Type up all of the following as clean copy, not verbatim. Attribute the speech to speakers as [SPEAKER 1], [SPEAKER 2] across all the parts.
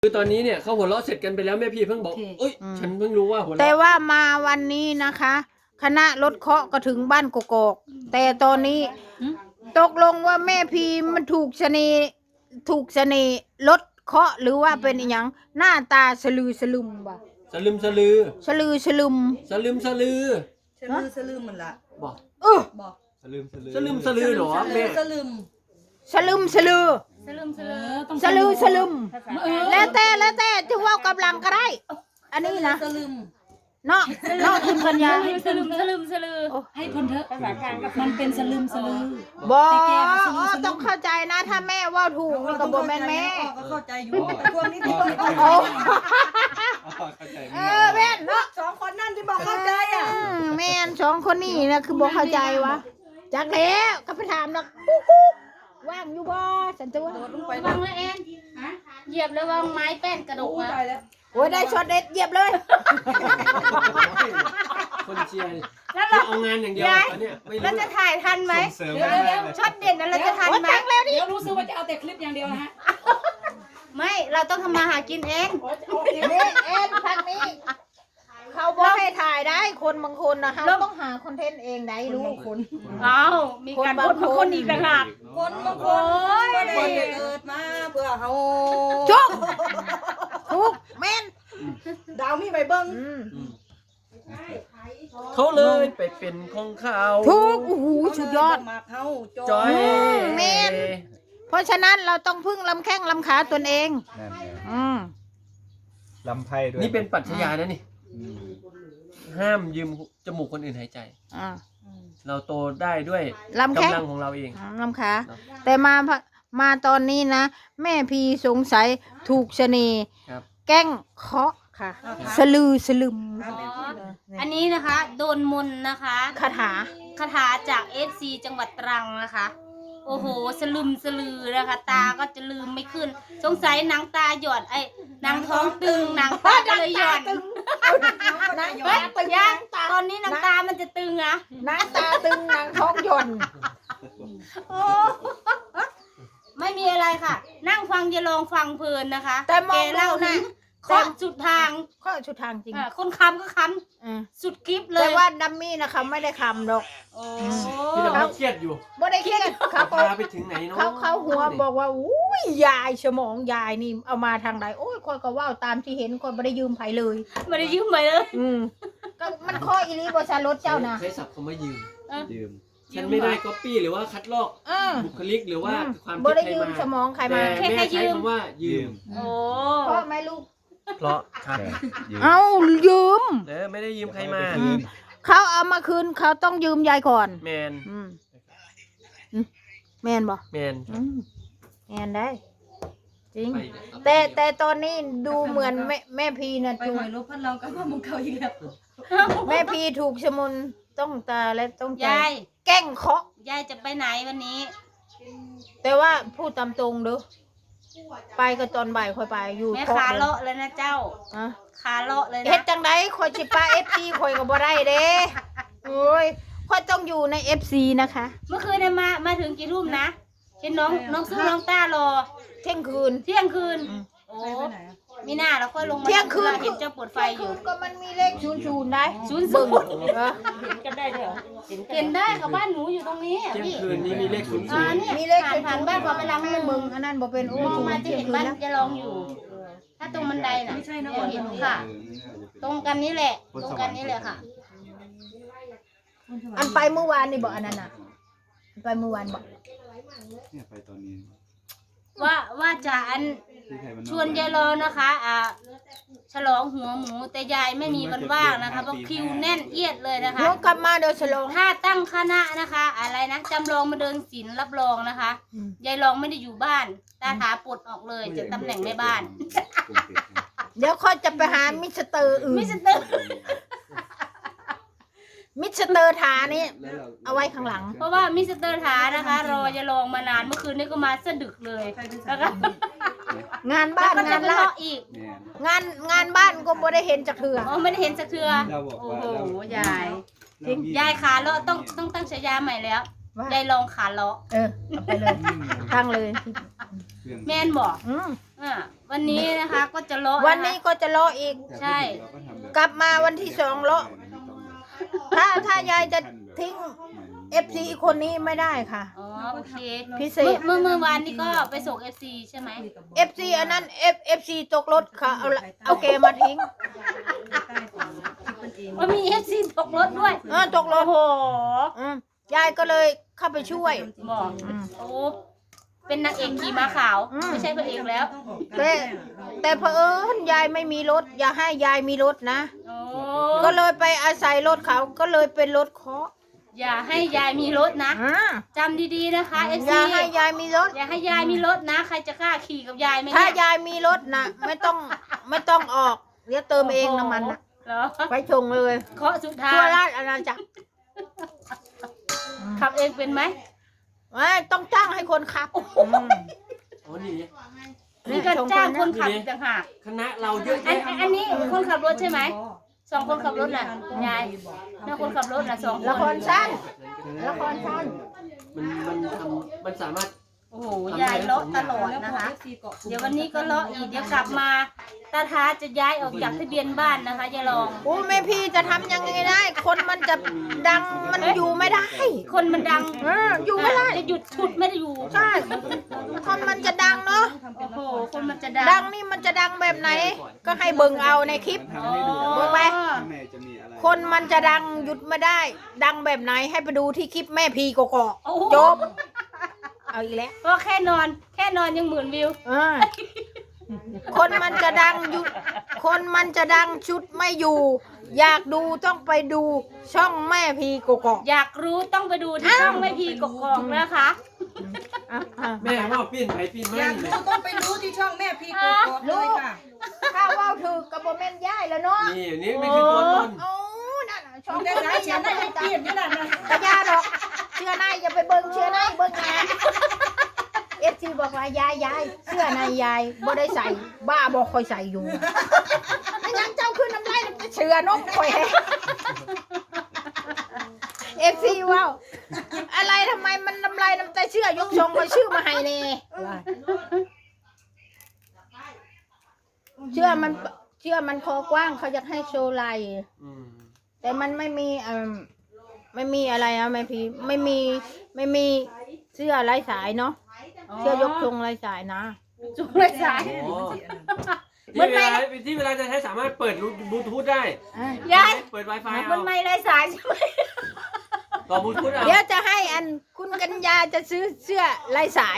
[SPEAKER 1] คือตอนนี้เนี่ยเขาหัวเราะเสร็จกันไปแล้วแม่พี่เพิ่งบอกเอ้ยฉันเพิ่งรู้ว่าหัวเราะ
[SPEAKER 2] แต่ว่ามาวันนี้นะคะ คณะรถเคาะก็ถึงบ้านกกอกแต่ตอนนี้ตกลงว่าแม่พีมันถูกเสน่ห์รถเคาะหรือว่าเป็นอหยังหน้าตาสลือสลึมบ่
[SPEAKER 1] สลึมสลือ
[SPEAKER 2] สลือสลึม
[SPEAKER 1] สลึมสลือ
[SPEAKER 3] สลืมมันละ
[SPEAKER 1] บอก
[SPEAKER 3] บอก
[SPEAKER 1] สลึมสลือเหรอแม่
[SPEAKER 3] สลืม
[SPEAKER 2] สลึมสลือสลือสลึมแล้วแต่ที่ว่ากำลังก็ได้ อันนี้นะ
[SPEAKER 3] สลืม
[SPEAKER 2] เนาะคุณปัญญา
[SPEAKER 4] สลืมให้คนเถอะภาษากลางมันเป็นสลืมสลือ
[SPEAKER 2] บอกต้องเข้าใจนะถ้าแม่ว่าถูกมันก็บอกแม่แม่
[SPEAKER 3] ก็เข้าใจอยู่แต่พวกนี้ที่
[SPEAKER 2] โอ้แม่นเนาะ
[SPEAKER 3] สองคนนั่นที่บอกเข้าใจอ่ะ
[SPEAKER 2] แม่นสองคนนี้นะคือบอกเข้าใจวะจากแล้วก็ไปถามนะว่างอยู่บ่สันตัว
[SPEAKER 3] โดดลงไป
[SPEAKER 4] วางเลยเอ็นเหยียบแล้ววางไม้แป้นกระดกมา
[SPEAKER 3] ตายแล้ว
[SPEAKER 2] โอ้ยได้ช็อตเด็ดเหยียบเลย
[SPEAKER 1] คนเชียร์แล้วเอางานอย่างเดียวตอนเนี้ยไม่รู้
[SPEAKER 4] แล้วจะถ่ายทันไหม
[SPEAKER 3] เดี๋ยวช็อตเด่นนั้นเราจะทันไหม
[SPEAKER 4] เดี๋ยวรู้สึกว่าจะเอาแต่คลิปอย่างเดียวนะฮะ
[SPEAKER 3] ไม่เราต้องทำมาหากินเอง
[SPEAKER 2] นี่เอ็นพักนี้ เขาบอกให้ถ่ายได้คนบางคนนะเขาต้องหาคอนเทนต์เองได้รู้คน
[SPEAKER 4] อ้าวมีการพูดของคนอีกต่างหาก
[SPEAKER 3] คนบางคนก็ได้เกิดมาเพื่อเขา
[SPEAKER 2] จุ๊บทุกแม่น
[SPEAKER 3] ดาวมีใบเบิ้ง
[SPEAKER 1] เขาเลยไปเป็นของเขา
[SPEAKER 2] ทุกโอ้โหสุดยอด
[SPEAKER 3] มาเขา
[SPEAKER 1] จอย
[SPEAKER 2] แม่น เพราะฉะนั้นเราต้องพึ่งลำแข้งลำขาตนเอง
[SPEAKER 5] นั่นไง
[SPEAKER 2] อืม
[SPEAKER 5] ลำไพ่ด้วย
[SPEAKER 1] นี่เป็นปรัชญานะนี่
[SPEAKER 5] อืม
[SPEAKER 1] ห้ามยืมจมูกคนอื่นหายใจ
[SPEAKER 2] อ่า
[SPEAKER 1] เราโตได้ด้วย
[SPEAKER 2] ลำแข้ง
[SPEAKER 1] กำลังของเราเอง
[SPEAKER 2] ลำขาแต่มาตอนนี้นะ แม่พีสงสัยถูกเสน่ห์
[SPEAKER 1] ครับ
[SPEAKER 2] แกล้งเคาะค่ะ สลือสลึม
[SPEAKER 4] อันนี้นะคะโดนมนต์นะคะ
[SPEAKER 2] คาถา
[SPEAKER 4] คาถาจาก FC จังหวัดตรังนะคะ โอ้โหสลืมสลือนะคะ ตาก็จะลืมไม่ขึ้น สงสัยนางตาหย่อนไอ้นางท้องตึงนางตาก็เลยหย่อน
[SPEAKER 2] นาง
[SPEAKER 4] เฮ้ย
[SPEAKER 2] ตาตึง
[SPEAKER 4] ยัง
[SPEAKER 2] ตา
[SPEAKER 4] ตอนนี้นางตามันจะตึงอะ
[SPEAKER 2] นางตาตึงนางท้องหย่อน
[SPEAKER 4] โอ้ไม่มีอะไรค่ะ นั่งฟังอย่าลองฟังเพลินนะคะ
[SPEAKER 2] แต่มอง
[SPEAKER 4] แกเล่า
[SPEAKER 2] ดูนะ
[SPEAKER 4] ถึงเคาะสุดทาง
[SPEAKER 2] ข้อชุดทางจริง
[SPEAKER 4] คนคำก็ค
[SPEAKER 2] อ่า
[SPEAKER 4] ำสุดคลิปเล
[SPEAKER 2] แต่
[SPEAKER 4] ย
[SPEAKER 2] ว่าดัมมี่นะคะไม่ได้คำดอก
[SPEAKER 4] โอ้
[SPEAKER 1] ที่เราเครียดอยู่
[SPEAKER 2] ไม่ได้เครียดเขาก็
[SPEAKER 1] พาไปถึงไหนเนาะ
[SPEAKER 2] เขาหัวบอกว่าอุ้ยยายสมองยายนี่เอามาทางใดโอ้ยคอยก็ว่าวตามที่เห็นคอยไม่ได้ยืมไผเลย
[SPEAKER 4] ไม่ได้ยืมไปเลย
[SPEAKER 2] ก็มันข้ออีลีบอชารถเจ้านะ
[SPEAKER 1] ใช้ศัพท์คำว่ายืม
[SPEAKER 5] ยืม
[SPEAKER 1] ฉันไม่ได้ก๊อปปี้หรือว่าคัดลอก
[SPEAKER 2] อ่า
[SPEAKER 1] บุคลิกหรือว่าความ
[SPEAKER 2] บ่
[SPEAKER 1] คิด
[SPEAKER 2] ได้
[SPEAKER 1] ใคร
[SPEAKER 2] ยืม
[SPEAKER 1] มา
[SPEAKER 2] สมองใคร
[SPEAKER 1] แต่
[SPEAKER 2] มา
[SPEAKER 1] แม่ใช้คำว่ายืม
[SPEAKER 4] โอ้
[SPEAKER 2] เพราะไหมลูก
[SPEAKER 1] เพราะครับ
[SPEAKER 5] ใช่ยืม
[SPEAKER 2] เอายืม
[SPEAKER 1] ไม่ได้ยืมใครมา
[SPEAKER 5] คืน
[SPEAKER 2] เขาเอามาคืนเขาต้องยืมยายก่อน
[SPEAKER 1] แมน
[SPEAKER 2] แมนบ่
[SPEAKER 1] แมน
[SPEAKER 2] แมนได้ จริง
[SPEAKER 1] ไป
[SPEAKER 2] แต่ตอนนี้ดูเหมือนแม่พีนะ
[SPEAKER 3] ไป
[SPEAKER 2] ถูก
[SPEAKER 3] หอยลบพันเราก็ว่ามึงเขาอีกแล้ว
[SPEAKER 2] แม่พีถูกชะมุนต้องตาและต้องใจ
[SPEAKER 4] ยาย
[SPEAKER 2] แกล้งเคาะ
[SPEAKER 4] ยายจะไปไหนวันนี้
[SPEAKER 2] แต่ว่าพูดตามตรงเด้อไปก็ตอนบ่ายค่อยไปอยู่
[SPEAKER 4] แม่
[SPEAKER 2] เคาะ
[SPEAKER 4] ขา
[SPEAKER 2] เลย
[SPEAKER 4] เลาะเลยนะเจ้า
[SPEAKER 2] อะ
[SPEAKER 4] ขาเลาะเลย
[SPEAKER 2] เฮ็
[SPEAKER 4] นะ
[SPEAKER 2] ดจังไดคอยสิปา FC คอยก็บ่ได้เด้โอ้ยคอยต้องอยู่ใน FC นะคะ
[SPEAKER 4] เมื่อคืนเนี่ยมาถึงกี่ทุ่มนะเห็นน้องสู้น้องต้ารอ
[SPEAKER 2] เที่ยงคืน
[SPEAKER 4] เที่ยงคืน โอ้
[SPEAKER 3] ไปไหนอ่ะ
[SPEAKER 4] มีหน้าเราค่อยลงมา
[SPEAKER 2] เที่ยงคืน
[SPEAKER 4] เห็นเจ้าปวดไฟอยู่
[SPEAKER 2] ก็มันมีเลข00ได้
[SPEAKER 4] 00
[SPEAKER 2] เบิ่งเออ
[SPEAKER 4] กันได้ด้วยเห็นได้ค่ะบ้านหนูอยู่ตรงนี้
[SPEAKER 1] เที่ยง
[SPEAKER 4] พี่
[SPEAKER 1] คืนนี้มีเลขศูนย์
[SPEAKER 4] นี่
[SPEAKER 2] มีเลข
[SPEAKER 4] ผ่านบ้านพอไปล้าง
[SPEAKER 2] แม่
[SPEAKER 4] มือ
[SPEAKER 2] มึงอันนั้นบ่เป็นโอ้
[SPEAKER 4] มองมาจะ
[SPEAKER 2] เที่ยง
[SPEAKER 4] เห็น
[SPEAKER 2] คืน
[SPEAKER 4] บ้าน
[SPEAKER 2] แล้ว
[SPEAKER 4] จะลองอยู่ ถ้าตรงบันไดน่ะ
[SPEAKER 3] ไม่ใช่นะ
[SPEAKER 4] เห็นค่ะ ตรงกันนี้แหละ ตรงกันนี้แหละค่ะ
[SPEAKER 2] อันไปเมื่อวานนี่บ่อันนั้นน่ะไปเมื่อวานบ่
[SPEAKER 5] เนี่ยไปตอนนี้
[SPEAKER 4] ว่าจะอัน
[SPEAKER 5] ที่ใครมัน
[SPEAKER 4] ชวนยายรอนะคะฉลองหัวหมูแต่ยายไม่มีวันว่างนะคะเพราะคิวแน่นเอียดเลยนะคะ
[SPEAKER 2] น้องกลับมาเดี๋ยวฉลอง
[SPEAKER 4] ถ้าตั้งคณะนะคะ อะไรนะจำลองมาเดินศิลป์รับรองนะคะ ยายรองไม่ได้อยู่บ้านตาถาปลดออกเลยจากตำแหน่งแม่บ้าน
[SPEAKER 2] เดี๋ยวค่อยจะไปหามิสเตอร์อื่น
[SPEAKER 4] มิสเตอร์
[SPEAKER 2] มิสเตอร์ฐานี่เอาไว้ข้างหลัง
[SPEAKER 4] เพราะว่ามิสเตอร์ถานะคะ รอยายรองมานานเมื่อคืนนี้ก็มาสะดึกเลยแล้วก็
[SPEAKER 2] งานบ้าน
[SPEAKER 4] ก็จะ
[SPEAKER 2] งาน
[SPEAKER 4] มา
[SPEAKER 2] ลา
[SPEAKER 4] เลาะ
[SPEAKER 2] ด
[SPEAKER 4] อีก
[SPEAKER 5] เนี่ย
[SPEAKER 2] งานบ้านก็บ่ได้เห็นจากเถื่อ
[SPEAKER 4] อ๋อไม่ได้เห็นสักเทือ
[SPEAKER 5] เราบอก
[SPEAKER 4] โอ้
[SPEAKER 5] ว่า
[SPEAKER 4] โห
[SPEAKER 5] เรา
[SPEAKER 4] ยาย
[SPEAKER 5] เรา
[SPEAKER 4] ยายขาเลาะต้องตั้งฉายาใหม่แล้ว
[SPEAKER 2] ว่าย
[SPEAKER 4] ายรองขาเลาะ
[SPEAKER 2] เอาไปเลยตั้งเลย
[SPEAKER 5] เครื่อง
[SPEAKER 4] แม่นบอก
[SPEAKER 2] อืม
[SPEAKER 4] วันนี้นะคะก็จะเลาะ
[SPEAKER 2] วันนี้ก็จะเลาะอีก
[SPEAKER 4] ใช่
[SPEAKER 2] กลับมาวันที่2เลาะถ้ายายจะทิ้ง FC คนนี้ไม่ได้ค่ะ
[SPEAKER 4] อ๋อโอเค
[SPEAKER 2] พิเศษ
[SPEAKER 4] เมื่อวานนี้ก็ไปส่ง FC ใช่ไหม
[SPEAKER 2] FC อันนั้น FC ตกรถค่ะเอาแกมาทิ้ง
[SPEAKER 4] ว่ามี FC ตกรถด้วย
[SPEAKER 2] ตกรถ
[SPEAKER 4] โอ้โห
[SPEAKER 2] ยายก็เลยเข้าไปช่วย
[SPEAKER 4] บอกโอ้เป็นนางเอกขี่ม้าขาว ไม่ใช่พระเอกแล้ว
[SPEAKER 2] แต่เผอิญยายไม่มีรถ อย่าให้ยายมีรถนะ
[SPEAKER 4] โอ้
[SPEAKER 2] ก็เลยไปอาศัยรถเขาก็เลยเป็นรถเคาะ
[SPEAKER 4] อย่าให้ยายมีรถนะ
[SPEAKER 2] อ่า
[SPEAKER 4] จำดีๆนะคะ FC
[SPEAKER 2] อย่าให้ยายมีรถ
[SPEAKER 4] อย่าให้ยายมีรถนะ ใครจะกล้าขี่กับยายไหม
[SPEAKER 2] ถ้า
[SPEAKER 4] เนี่ย
[SPEAKER 2] ยายมีรถนะไม่ต้องออกเดี๋ยวเติมเองน้ำมันนะ
[SPEAKER 4] เหรอ
[SPEAKER 2] ไปชงเลย
[SPEAKER 4] เคาะสุดท้า
[SPEAKER 2] ทั่วย ราชอาณาจักร
[SPEAKER 4] ขับเองเป็นไหม
[SPEAKER 2] ไม่ต้องจ้างให้คนขับ
[SPEAKER 1] อ๋อนี่
[SPEAKER 4] นี่ก็จ้างคนขับอีกต่างหาก
[SPEAKER 1] คณะเราเยอะ
[SPEAKER 4] อัน
[SPEAKER 1] แยะ
[SPEAKER 4] อันนี้คนขับรถใช่ไหมสองคนขับรถน่ะยายแล้วคนขับรถน่ะสองคน
[SPEAKER 2] ละครสั้นละครสั้น
[SPEAKER 1] มันสามารถ
[SPEAKER 4] โอ้โหยายเลาะตลอดนะคะ เดี๋ยววันนี้ก็เลาะอีกเดี๋ยวกลับมาตาท้าจะย้ายออกจากทะเบียนบ้านนะคะยายรอง
[SPEAKER 2] โอ้แม่พี่จะทำยังไงได้ คนมันจะดังมันอยู่ไม่ได้
[SPEAKER 4] คนมันดัง
[SPEAKER 2] อยู่ไม่ได้
[SPEAKER 4] จะหยุดฉุดไม่ได้อยู่
[SPEAKER 2] ใช่คนมันจะดังเนาะ
[SPEAKER 4] โอ้โหคนมันจะ
[SPEAKER 2] ดั
[SPEAKER 4] ดั
[SPEAKER 2] งนี่มันจะดังแบบไหน ก็ให้เบิ่งเอาในคลิป
[SPEAKER 5] ทำให้ดู
[SPEAKER 2] เบิ่งไป
[SPEAKER 5] ข้างในจะมีอะไร
[SPEAKER 2] คนมันจะดังหยุดไม่ได้ ดังแบบไหนให้ไปดูที่คลิปแม่พีกอก
[SPEAKER 4] โอ้โห
[SPEAKER 2] จบ เอาอีกแล้ว
[SPEAKER 4] ก็แค่นอนยังหมื่นวิว
[SPEAKER 2] คนมันจะดังหยุดคนมันจะดังชุดไม่อยู่ อยากดูต้องไปดูช่องแม่พีกอก
[SPEAKER 4] อยากรู้ต้องไปดูที่ช่องแม่พีกกอกนะคะ
[SPEAKER 1] แม่ว่าปิ้นไปปิ้นมา
[SPEAKER 3] อยาก
[SPEAKER 1] เล
[SPEAKER 3] รู้
[SPEAKER 1] ย
[SPEAKER 3] ต้องไปรู้ที่ช่องแม่พีกดเลยค่ะ
[SPEAKER 2] ถ้าว่าวถือกับโบแมนย่ายแล้วเนาะ
[SPEAKER 1] นี่ไม่คือตัวตน
[SPEAKER 2] โอ้นั่นน่ะช่อง
[SPEAKER 3] ได้สายเฉียนได้ให้เปลี่ยนนี่แหละนะ
[SPEAKER 2] กระยาดอกเชื่อในอย่าไปเบิ่งเชื่อในเบิ่งงานเอฟซีบอกว่ายายเสื้อในยายบ่ได้ใส่บ้าบ่คอยใส่อยู่ไม่งั้นเจ้าขึ้นน้ำลายน้ำเชื่อนกคอยเอฟซีว้าวอะไรทำไมมันน้ำลายน้ำใจเชื่อยกทรงคอยชื่อมาให้เน่เชื่อมันคอกว้างเขาอยากให้โชว์ไหล่แต่มันไม่มีไม่มีอะไรนะแม่พี่ไม่มีเสื้อลายสายเนาะเสื้อยกทรงลายสายนะ
[SPEAKER 4] จุกเลยสาย
[SPEAKER 1] ที่เวลาจะใช้สามารถเปิดบลูทูธได้
[SPEAKER 4] ยาย
[SPEAKER 1] เปิด Wi-Fi เอา
[SPEAKER 4] มันไม่ไรสายใช่ไหม
[SPEAKER 1] ต่อบลูทูธเอา
[SPEAKER 2] เดี๋ยวจะให้คุณกัญญาจะซื้อเสื้อลายสาย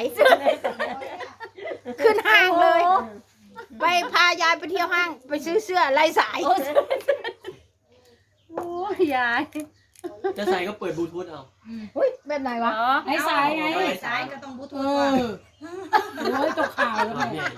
[SPEAKER 2] ขึ้นห้างเลย ไปพายายไปเที่ยวห้างไปซื้อเสื้อลายสาย
[SPEAKER 4] โอ้ยาย
[SPEAKER 1] จะใส่ก็เปิดบลูทูธเอา
[SPEAKER 2] อุ้ยแบบไหนวะ
[SPEAKER 4] ไอ้สายไง
[SPEAKER 3] สายก็ต้องบลูทูธก่อน
[SPEAKER 4] โอ้ยตกข่าวแล้ว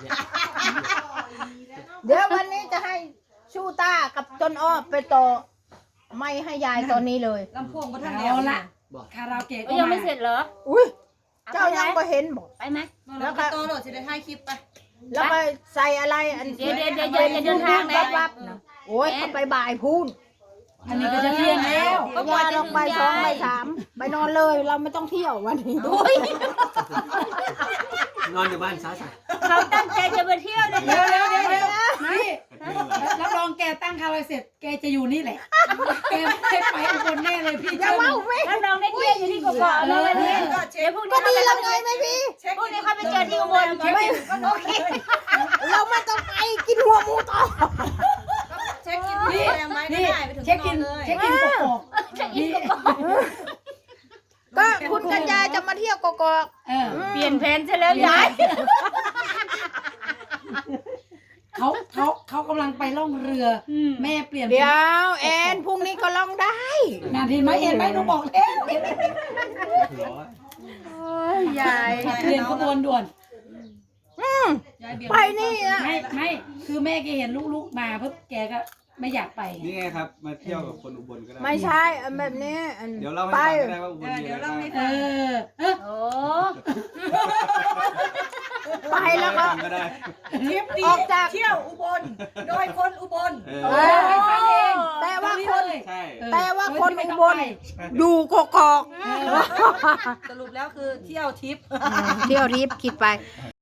[SPEAKER 2] เดี๋ยววันนี้จะให้ชูต้ากับต้นอ้อไปต่อไม่ให้ยายตอนนี้เลย
[SPEAKER 3] ลำโพงก็ท่านแล้วละ
[SPEAKER 6] คาราโอเกะก็
[SPEAKER 4] ยัง
[SPEAKER 6] มา
[SPEAKER 4] ไม่เสร็จเหรอ
[SPEAKER 2] อุ้ยเจ้ายังไม่เห็นบอก
[SPEAKER 4] ไปไหม
[SPEAKER 3] แล้วก็โตโหลดจะได้ให้คลิปไป
[SPEAKER 2] แล้วก็ใส่อะไรอัน
[SPEAKER 4] เดี๋ยวอย่าเดินทางนะ
[SPEAKER 2] วับๆนะโอ้ยเขาไปบ่ายพูน
[SPEAKER 6] อันนี้ก็จะเที่ยงแล้ว
[SPEAKER 2] ก็ยาลงไป2ไป3ไปนอนเลยเราไม่ต้องเที่ยววันนี้
[SPEAKER 1] นอนอยู่บ้านซะ
[SPEAKER 4] เขาตั้งใจจะไปเที่ยวเลย
[SPEAKER 6] เดี๋ยวนี่รับรองแกตั้งคาราเสร็จแกจะอยู่นี่แหละแกไม่ไปอุบลแน่เลยพี่
[SPEAKER 2] อย่า
[SPEAKER 6] เจ้า
[SPEAKER 2] ว้าวเว้ย
[SPEAKER 4] แล้วน้องได้เที่ยวอยู่ที่กกอกเลยวันนี้
[SPEAKER 3] ก็เช็
[SPEAKER 4] เดี๋ย
[SPEAKER 3] คว
[SPEAKER 4] พรุ่ง
[SPEAKER 2] ก็
[SPEAKER 4] นี้
[SPEAKER 2] ดี
[SPEAKER 4] เขา
[SPEAKER 2] แล้วไงแม่พี่
[SPEAKER 4] พรุ่งนี้เขาไปเจอที่อุบล
[SPEAKER 2] ไม่โอเคเราไม่ต้องไปกินหัวหมูต่อ
[SPEAKER 3] เช็คอินที่แรงไหมก็
[SPEAKER 6] นี่
[SPEAKER 3] ได้ไปถึง
[SPEAKER 6] เช็ค
[SPEAKER 3] น
[SPEAKER 6] อิ
[SPEAKER 3] อน นเลย
[SPEAKER 6] เช็คอินกกอก
[SPEAKER 4] อินกกอก
[SPEAKER 2] ก็คุณกัญญาจะมาเที่ยวกอก
[SPEAKER 6] เออ
[SPEAKER 4] เปลี่ยนแผนซะแล้วยาย
[SPEAKER 6] เขากำลังไปล่องเรือแม่เปลี่ยน
[SPEAKER 2] ๆเดี๋ยวแอนพรุ่งนี้ก็ลองได้
[SPEAKER 6] งานเห็นไหมเห็นไหมหนูบอกแล้ว
[SPEAKER 4] ยาย
[SPEAKER 6] เปลี่ยนขบวนด่วน
[SPEAKER 2] ไปนี่อะ
[SPEAKER 6] ไม่คือแม่แกเห็นลูกๆมาปุ๊บแกก็ไม่อยากไป
[SPEAKER 5] นี่ไงครับ มาเที่ยวกับคนอุบลก็ได้
[SPEAKER 2] ไม่ใช่อันแบบนี้อัน
[SPEAKER 5] เดี๋ยวเล่าให้
[SPEAKER 2] ไป
[SPEAKER 5] ฟังก็ได้ว่าอุบลมีอะไรบ้าง
[SPEAKER 6] เออ
[SPEAKER 4] โอ้
[SPEAKER 2] ไปแล้วก็
[SPEAKER 5] ก็ได้
[SPEAKER 3] ทริปนี้
[SPEAKER 2] ออกจาก
[SPEAKER 3] เที่ยวอุบล โดยคนอุบล
[SPEAKER 5] เอ
[SPEAKER 6] ให้ฟังเอง
[SPEAKER 2] แต่ว่า
[SPEAKER 6] ตรงนี้
[SPEAKER 2] คน
[SPEAKER 6] เลย
[SPEAKER 5] ใช่
[SPEAKER 2] แต่ว่าคนอุบลอยู่กอก
[SPEAKER 3] สรุปแล้วคือเที่ยวทริป
[SPEAKER 2] เที่ยวทิพย์คิดไป